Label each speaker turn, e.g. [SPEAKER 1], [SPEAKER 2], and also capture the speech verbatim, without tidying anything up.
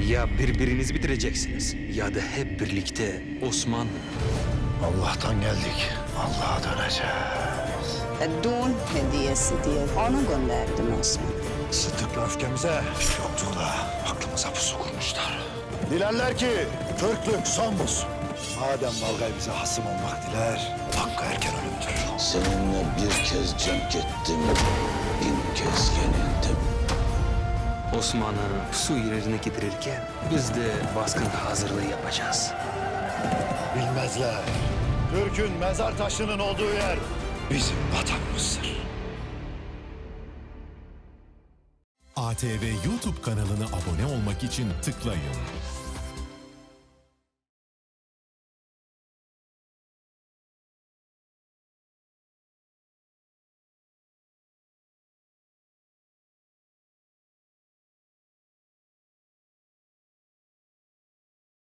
[SPEAKER 1] Ya birbirinizi bitireceksiniz ya da hep birlikte Osman.
[SPEAKER 2] Allah'tan geldik. Allah'a döneceğiz.
[SPEAKER 3] Düğün hediyesi diye onu gönderdim Osman.
[SPEAKER 2] Sıddık'la öfkemize yokluğuna aklımıza pusu kurmuşlar. Dilerler ki Türklük son bulsun. Madem Balgay bize hasım olmak diler, hakkı erken ölümdür.
[SPEAKER 4] Seninle bir kez cenk ettim, bin kez yenildim.
[SPEAKER 1] Osman'ı su yerine getirirken biz de baskın hazırlığı yapacağız.
[SPEAKER 2] Bilmezler. Türk'ün mezar taşının olduğu yer bizim vatanımızdır.
[SPEAKER 5] A T V YouTube kanalına abone olmak için tıklayın.